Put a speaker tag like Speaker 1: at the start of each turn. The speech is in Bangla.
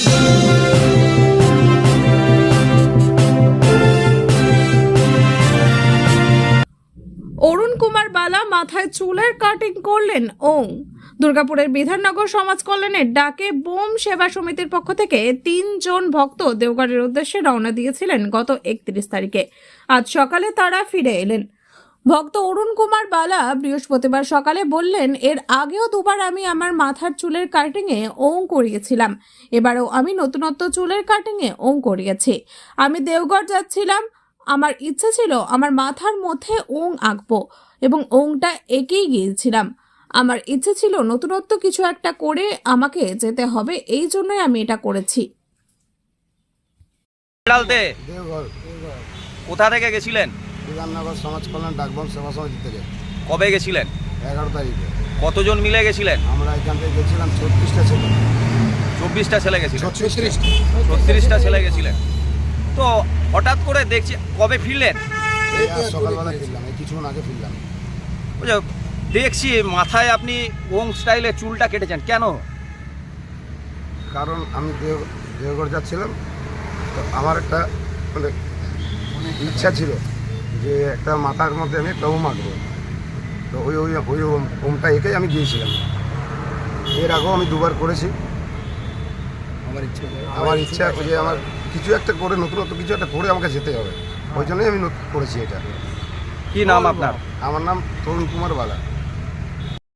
Speaker 1: অরুণ কুমার বালা মাথায় চুলের কাটিং করলেন ওং। দুর্গাপুরের বিধাননগর সমাজ কল্যাণের ডাকে বোম সেবা সমিতির পক্ষ থেকে 3 জন ভক্ত দেওঘরের উদ্দেশ্যে রওনা দিয়েছিলেন গত 31 তারিখে। আজ সকালে তারা ফিরে এলেন। ভক্ত অরুণ কুমার বালা বৃহস্পতিবার সকালে বললেন, এর আগেও দুবার আমি আমার মাথার চুলের কাটিংয়ে ওং করিয়েছিলাম, এবারেও আমি নতুনত্ব চুলের কাটিংয়ে ওং করিয়েছি। আমি দেওঘর যাচ্ছিলাম, আমার ইচ্ছে ছিল আমার মাথার মধ্যে ওং আঁকবো এবং ওংটা এঁকেই গিয়েছিলাম। আমার ইচ্ছে ছিল নতুনত্ব কিছু একটা করে আমাকে যেতে হবে, এই জন্যই আমি এটা করেছি।
Speaker 2: কোথা থেকে গেছিলেন?
Speaker 3: বিধাননগর সমাজ কল্যাণ ডাকবাম সেবা সমিতি থেকে।
Speaker 2: কবে গেছিলেন?
Speaker 3: 11 তারিখে।
Speaker 2: কতজন মিলে গেছিলেন?
Speaker 3: আমরা এখান থেকে গেছিলাম 36টা ছেলে।
Speaker 2: 24টা ছেলে গেছিলেন?
Speaker 3: 36টা
Speaker 2: ছেলে গেছিলেন। তো হঠাৎ করে দেখছি, কবে ফিরলেন?
Speaker 3: সকালবেলা ফিরলাম, এই কিছুক্ষণ আগে ফিরলাম।
Speaker 2: দেখছি মাথায় আপনি ওং স্টাইলে চুলটা কেটেছেন, কেন?
Speaker 3: কারণ আমি দেওঘর যাচ্ছিলাম, তো আমার একটা মানে ইচ্ছা ছিল যে একটা মাথার মধ্যে আমি একটা ওম আঁকবো। তো ওই ওমটা এঁকেই আমি গিয়েছিলাম। এর আগেও আমি দুবার করেছি। আমার ইচ্ছা যে আমার কিছু একটা করে নতুনত্ব কিছু একটা করে আমাকে যেতে হবে, ওই জন্যই আমি করেছি এটা।
Speaker 2: কি নাম আপনার?
Speaker 3: আমার নাম অরুণ কুমার বালা।